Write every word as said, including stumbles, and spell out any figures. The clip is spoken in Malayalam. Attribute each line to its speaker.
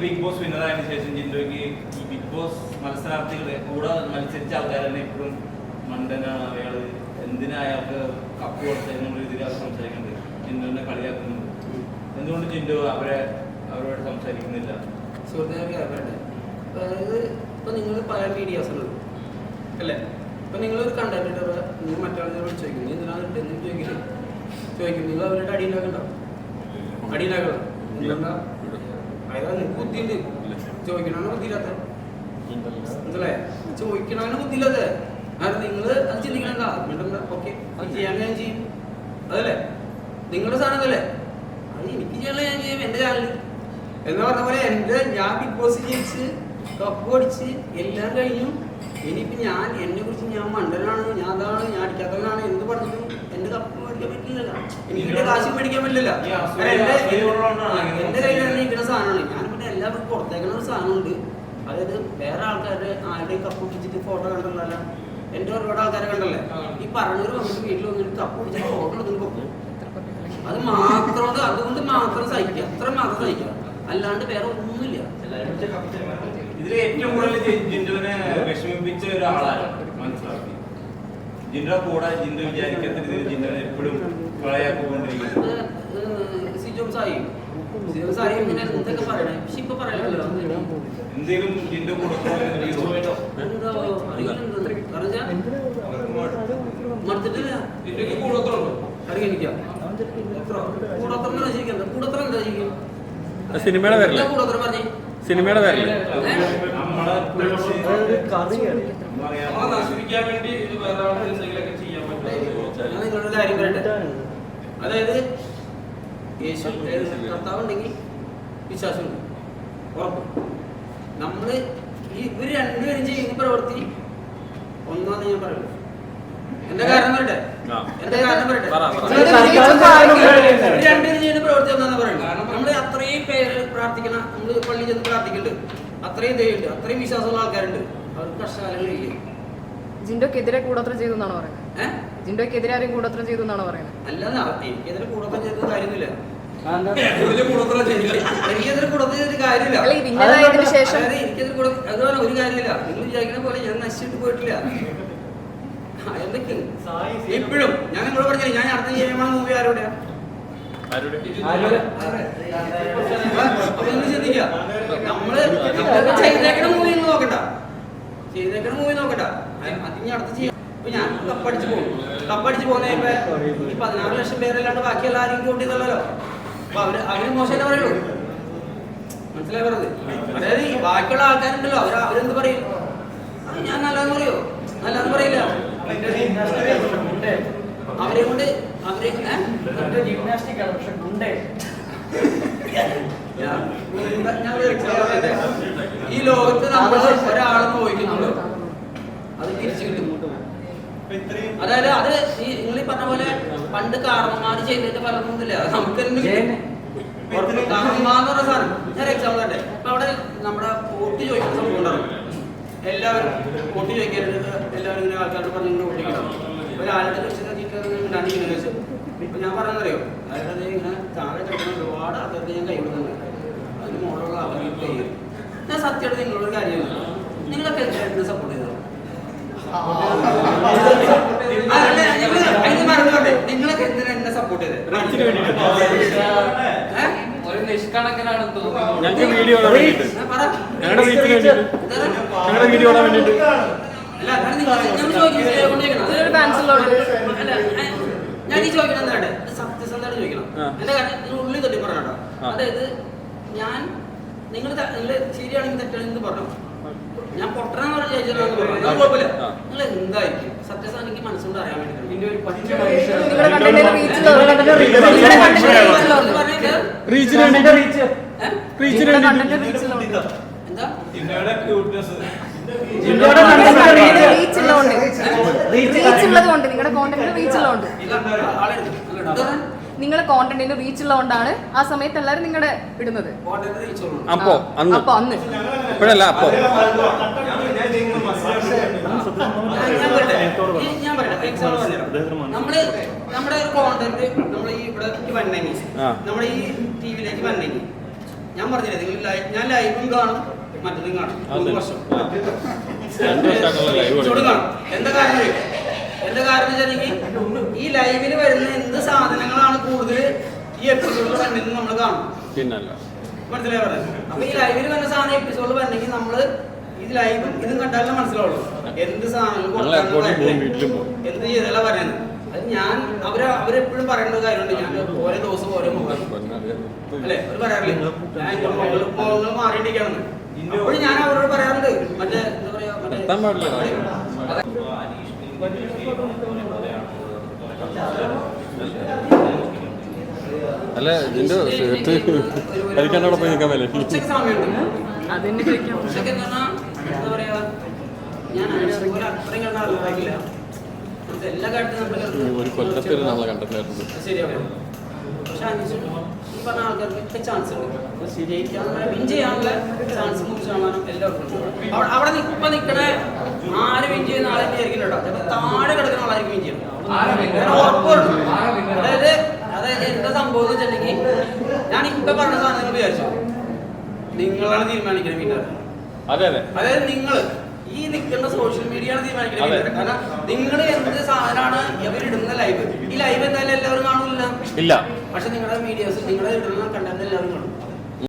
Speaker 1: ബിഗ് ബോസ് വിന്നറായതിനു ശേഷം ജിൻഡോയ്ക്ക് ഈ ബിഗ് ബോസ് മത്സരാർത്ഥികളെ കൂടെ മത്സരിച്ച ആൾക്കാർ തന്നെ ഇപ്പോഴും മണ്ടനാണ് അയാള്, എന്തിനാ അയാൾക്ക് കപ്പ് കൊടുത്തതിനുള്ള രീതിയിൽ അവർ സംസാരിക്കുന്നുണ്ട്, ജിൻഡോനെ കളിയാക്കുന്നുണ്ട്. എന്തുകൊണ്ട് ജിൻഡോ അവരെ അവരോട് സംസാരിക്കുന്നില്ല?
Speaker 2: സുഹൃത്തുക്കളെ അതായത് ഇപ്പൊ നിങ്ങൾ പല മീഡിയാസുണ്ട് അല്ലേ? ഇപ്പൊ നിങ്ങളൊരു കണ്ടന്റ് നിങ്ങൾ മറ്റാളുകളെ വിളിച്ച് ചോദിക്കും, നീ എന്തിനാ ഇട്ടെന്ന് ചോദിക്കില്ലേ? ചോദിക്കും, നിങ്ങൾ അവരുടെ അടി ഉണ്ടാക്കണ്ടോ? അടി ഉണ്ടാക്കണം. എന്താ അതായത് നിങ്ങൾക്ക് ബുദ്ധിയുണ്ട്, ചോദിക്കണമാണ് ബുദ്ധിയില്ലാത്ത, മനസ്സിലായ? ചോദിക്കണമാണ് ബുദ്ധിയില്ലാത്ത. കാരണം നിങ്ങൾ അത് ചിന്തിക്കണ ഓക്കെ ചെയ്യാൻ ഞാൻ ചെയ്യും, അതല്ലേ നിങ്ങളുടെ സാധനം അല്ലേ? അത് എനിക്ക് ചെയ്യാനുള്ള ഞാൻ ചെയ്യും എൻ്റെ ചാനലിൽ എന്ന് പറഞ്ഞ പോലെ. എൻ്റെ ഞാൻ ബിഗ് ബോസ് ജയിച്ച് കപ്പ് അടിച്ച് എല്ലാം കഴിഞ്ഞു. ഇനിയിപ്പോൾ ഞാൻ എന്നെ കുറിച്ച് ഞാൻ മണ്ടനാണ്, ഞാൻ അതാണ്, ഞാൻ അടിക്കാത്തവനാണ് എന്ത് പറഞ്ഞിട്ടും എൻ്റെ കപ്പ് മേടിക്കാൻ പറ്റില്ലല്ലോ, എനിക്ക് എൻ്റെ കാശ് മേടിക്കാൻ പറ്റില്ല. എൻ്റെ കയ്യിൽ തന്നെ ഇരിക്കുന്ന സാധനമാണ്. ഞാൻ പിന്നെ എല്ലാവർക്കും പുറത്തേക്കുന്ന ഒരു സാധനമുണ്ട്. അതായത് വേറെ ആൾക്കാരുടെ ആരുടെയും കപ്പ് പിടിച്ചിട്ട് ഫോട്ടോ കണ്ടല്ലോ, എൻ്റെ ഒരുപാട് ആൾക്കാരെ കണ്ടല്ലേ ഈ പറഞ്ഞവർ വന്നിട്ട് വീട്ടിൽ വന്നിട്ട് കപ്പ് പിടിച്ചിട്ട് ഫോട്ടോ എടുത്തിട്ട് പോകും. അത് മാത്രം അതുകൊണ്ട് മാത്രം സഹിക്കുക, അത്ര മാത്രം സഹിക്കുക, അല്ലാണ്ട് വേറെ ഒന്നുമില്ല.
Speaker 1: ഇതിൽ ഏറ്റവും കൂടുതൽ ജിൻഡോനെ വിഷമിപ്പിച്ച ഒരാളാണ് മനസ്സിലാക്കി. ജിൻഡോ കൂടെ ജിൻഡോ വിചാരിക്കാത്ത രീതിയിൽ ജിൻഡോനെ എപ്പോഴും കളയാക്കൊണ്ടിരിക്കുന്നത്
Speaker 2: സിജോം സായി സിജോം സായി ഇങ്ങനെ എന്തൊക്കെ പറയണേ, പക്ഷെ ഇപ്പൊ പറയണല്ലോ
Speaker 1: എന്തെങ്കിലും ജിൻഡോ കൊടുക്കണോ
Speaker 2: മടുത്തിട്ടില്ല. കൂടോത്രമുണ്ടോ അറിയാം കൂടോത്രം രചിക്കണ്ട, കൂടോത്രം എന്താ രചിക്കും?
Speaker 3: സിനിമയുടെ പേരല്ലേ?
Speaker 2: കൂടോത്രം പറഞ്ഞേ
Speaker 3: സിനിമയുടെ പേരല്ലേ?
Speaker 2: നശിപ്പിക്കാൻ വേണ്ടി വേറെ എന്തെങ്കിലുമൊക്കെ ചെയ്യാൻ പറ്റും. ഞാൻ നിങ്ങളൊരു കാര്യം പറയട്ടെ, അതായത് യേശു കർത്താവ് ഉണ്ടെങ്കിൽ വിശ്വാസമുണ്ട്, ഉറപ്പ്. നമ്മള് ഈ ഇവർ രണ്ടുപേരും ചെയ്യുന്ന പ്രവൃത്തി ഒന്നാന്ന് ഞാൻ പറയുള്ളൂ. എന്റെ കാരണം പറയട്ടെ, എന്റെ കാരണം പറയട്ടെ, രണ്ടുപേരും ചെയ്യുന്ന പ്രവൃത്തി ഒന്നാന്ന് പറയുള്ളൂ. കാരണം നമ്മള് അത്രയും പേര് പ്രാർത്ഥിക്കണം, നമ്മള് പള്ളി ചെന്ന് പ്രാർത്ഥിക്കുന്നുണ്ട്, അത്രയും ദൈവമുണ്ട്, അത്രയും വിശ്വാസമുള്ള ആൾക്കാരുണ്ട്, അവർക്ക് കഷ്ടകാലങ്ങളില്ലേ.
Speaker 4: ജിൻഡോക്കെതിരെ കൂടോത്രം ചെയ്തു എന്നാണ് പറയുന്നത്. ഏഹ് ജിൻഡോക്കെതിരെ ആരും കൂടോത്രം ചെയ്തു എന്നാണ് പറയുന്നത്.
Speaker 2: അല്ലാതെ എനിക്കെതിരെ കൂടോത്രം ചെയ്ത കാര്യമൊന്നുമില്ല, എനിക്കെതിരെ കൂടോത്രം ചെയ്തിട്ട് കാര്യമില്ല. എനിക്കെതിരെ കൂടെ അതുപോലെ ഒരു കാര്യമില്ല. നിങ്ങൾ വിചാരിക്കുന്ന പോലെ ഞാൻ നശിച്ചിട്ട് പോയിട്ടില്ല. എന്തൊക്കെ ഇപ്പോഴും ഞാൻ നിങ്ങളോട് പറഞ്ഞില്ല, ഞാൻ അടുത്ത ചെയ്യുമ്പോൾ മൂവി ആരോടെ അതൊന്നും ചിന്തിക്കുക. നമ്മള് ചെയ്തേക്കണ മൂവി ഒന്നും നോക്കണ്ട, ചെയ്തേക്കണ മൂവി നോക്കണ്ട, അതിന് അടുത്ത് ചെയ്യാം. ഇപ്പൊ ഞാൻ കപ്പടിച്ച് പോകും, കപ്പടിച്ച് പോകുന്ന ഈ പതിനാറ് ലക്ഷം പേരല്ലാണ്ട് ബാക്കി എല്ലാവരും കൂട്ടിയതല്ലോ. അപ്പൊ അവര് അവര് മോശമായിട്ട് പറയുള്ളൂ, മനസ്സിലായി പറഞ്ഞത്? അതായത് ഈ ബാക്കിയുള്ള ആൾക്കാരുണ്ടല്ലോ, അവര് അവരെന്ത് പറയും? ഞാൻ നല്ലതെന്ന് പറയോ? നല്ലതെന്ന് പറയില്ല. അവരെ കൊണ്ട് അവരെ ഈ ലോകത്ത് നമ്മൾ ഒരാളെ നോക്കുന്നുള്ളൂ, അത് തിരിച്ചു കിട്ടും. അതായത് അത് ഈ നിങ്ങൾ ഈ പറഞ്ഞ പോലെ പണ്ട് കാരണന്മാര് ചെയ്തിട്ട് പലതൊന്നുമില്ല, നമുക്ക് തന്നെ കാരണന്മാന്ന് പറഞ്ഞ സാധനം. ഞാൻ എക്സാമ്പിൾ തന്നെ ഇപ്പൊ അവിടെ നമ്മുടെ വോട്ട് ചോദിക്കുന്ന സംഭവം ഉണ്ടാവും. എല്ലാവരും വോട്ട് ചോദിക്കാനായിട്ട് എല്ലാവരും ഇങ്ങനെ ആൾക്കാരോട് പറഞ്ഞ് ഇങ്ങനെ വോട്ടിക്കണം. ഒരാളുടെ ഇങ്ങനെ വെച്ചു ഇപ്പൊ ഞാൻ പറഞ്ഞറിയോ, അതായത് ഇങ്ങനെ താഴെ കിടക്കുന്ന ഒരുപാട് ആൾക്കാർക്ക് ഞാൻ കൈവിടുന്നുണ്ട്, അതിന് മോളുള്ള അവർക്ക് കൈ. ഞാൻ സത്യമായിട്ട് നിങ്ങളൊരു കാര്യം, നിങ്ങളൊക്കെ എന്നെ സപ്പോർട്ട് ചെയ്തോ? നിങ്ങളൊക്കെ എന്തിനാ എന്നെ സപ്പോർട്ട് ചെയ്തത്? ഒരു നിഷ്കണക്കിനാണ് തോന്നുന്നത്.
Speaker 3: ഞങ്ങൾക്ക് വീഡിയോ ഞങ്ങളുടെ വീഡിയോ ഞങ്ങളുടെ വീഡിയോ വേണ്ടിട്ട്
Speaker 2: ഞാൻ ഈ ചോദിക്കണം എന്താണ് സത്യസന്ധമായിട്ട് ചോദിക്കണം. എന്റെ കാര്യം നിങ്ങൾ ഉള്ളിൽ തട്ടി പറഞ്ഞോ. അതായത് ഞാൻ നിങ്ങൾ നിങ്ങൾ ശരിയാണെങ്കിൽ തെറ്റാണെങ്കിൽ പറഞ്ഞു, ഞാൻ പൊട്ടണെന്ന് പറഞ്ഞ ചോദിച്ചാൽ കുഴപ്പമില്ല. നിങ്ങൾ എന്തായിരിക്കും സത്യസന്ധ എനിക്ക് മനസ്സുകൊണ്ട് അറിയാൻ വേണ്ടി പിന്നെ ഒരു പച്ച
Speaker 4: നിങ്ങളുടെ കോണ്ടന്റിന് റീച്ച് ഉള്ളതുകൊണ്ട് നിങ്ങളുടെ കോണ്ടന്റിന് റീച്ച് ഉള്ളതുകൊണ്ടാണ് ആ സമയത്ത് എല്ലാരും നിങ്ങളുടെ ഇടുന്നത്.
Speaker 3: അപ്പോ അന്ന്
Speaker 4: അപ്പൊ അന്ന്
Speaker 3: ഇപ്പോഴല്ല അപ്പോ
Speaker 2: ഞാൻ പറയട്ടെ, നമ്മള് നമ്മുടെ ഒരു കോണ്ടന്റ് നമ്മൾ ഈ ഇവിടെ വന്നെങ്കിൽ നമ്മുടെ ഈ ടി വിയിലേക്ക് വന്നെങ്കിൽ ഞാൻ പറഞ്ഞില്ലേ നിങ്ങൾ ലൈ- ഞാൻ ലൈവും കാണും മറ്റതും കാണും മൂന്ന് വർഷം
Speaker 3: രണ്ട് വർഷമായിട്ടുള്ള ലൈവ്
Speaker 2: ചൂട് കാണും. എന്താ കാരണം അറിയോ? എന്താ കാരണം വെച്ചാൽ ഈ ലൈവിൽ വരുന്ന എന്ത് സാധനങ്ങളാണ് കൂടുതൽ ഈ എപ്പിസോഡിൽ വരണമെന്ന് നമ്മൾ കാണും.
Speaker 3: പിന്നല്ല
Speaker 2: മനസ്സിലായി പറയുന്നത്. അപ്പൊ ഈ ലൈവിൽ വരുന്ന സാധനം എപ്പിസോഡിൽ വരണമെങ്കിൽ നമ്മള് ഇത് ലൈവും ഇതും കണ്ടാലേ മനസ്സിലാവുള്ളൂ എന്ത് സാധനങ്ങൾ എന്ത് ചെയ്താലാ പറയുന്നത്. അത് ഞാൻ അവര് അവരെപ്പോഴും പറയേണ്ട ഒരു കാര്യമുണ്ട്. ഞാൻ ഓരോ ദിവസം ഓരോ മുഖം അല്ലെ അവര് പറയാറില്ലേ ഞാൻ മുഖങ്ങൾ മുഖങ്ങൾ മാറിയിട്ടിരിക്കുകയാണെന്ന്. അപ്പോഴും ഞാൻ അവരോട് പറയാറുണ്ട് മറ്റേ എന്താ പറയാ
Speaker 3: എത്താൻ പാടില്ല. അല്ല ഇതിന്റെ ഷർട്ട് കഴിക്കാനോടെ പോയി നിൽക്കാൻ പറ്റില്ല.
Speaker 2: ഉച്ചയ്ക്ക് സമയമുണ്ട്.
Speaker 4: അതെന്നെ ചോദിക്കാം.
Speaker 2: ഉച്ചയ്ക്ക് എന്ന് പറഞ്ഞാൽ എന്താ പറയാ ഞാൻ ഒരു അത്രയും കണ്ട ആളുകളായില്ല. എല്ലാ കാര്യത്തിലും
Speaker 3: ഒരു കൊല്ലത്തിൽ നമ്മളെ കണ്ടിട്ടുണ്ടായിരുന്നു.
Speaker 2: ശരിയാവും. പക്ഷെ അനീഷ് ഈ പറഞ്ഞ ആൾക്കാർക്ക് ചാൻസ് ഉണ്ട് ശരിയായിക്കാനുള്ള വിൻ ചെയ്യാനുള്ള ചാൻസ് നൂറ് ശതമാനം എല്ലാവർക്കും ഉണ്ട്. അവിടെ അവിടെ ഇപ്പൊ നിൽക്കണ ആര് വിൻ ചെയ്യുന്ന ആളെ വിചാരിക്കില്ല കേട്ടോ. ചിലപ്പോൾ താഴെ കിടക്കുന്ന ആളായിരിക്കും വിൻ ചെയ്യണം. ഉറപ്പുണ്ട്. അതായത് അതായത് എന്താ സംഭവം എന്ന് വെച്ചിട്ടുണ്ടെങ്കിൽ ഞാൻ ഇപ്പൊ പറഞ്ഞ സാധനങ്ങൾ വിചാരിച്ചു നിങ്ങളാണ് തീരുമാനിക്കുന്നത് വിന്നർ.
Speaker 3: അതെ അതെ
Speaker 2: അതായത് നിങ്ങൾ ഈ നിൽക്കുന്ന സോഷ്യൽ മീഡിയ ആണ് തീരുമാനിക്കുന്നത്. കാരണം നിങ്ങൾ എന്ത് സാധനമാണ് ഇവരിടുന്ന ലൈവ് ഈ ലൈവ് എന്തായാലും എല്ലാവരും കാണൂല.
Speaker 3: ഇല്ല.
Speaker 2: പക്ഷെ നിങ്ങളുടെ മീഡിയാസ് നിങ്ങളുടെ ഇടുന്ന കണ്ടന്റ് എല്ലാവരും കാണും.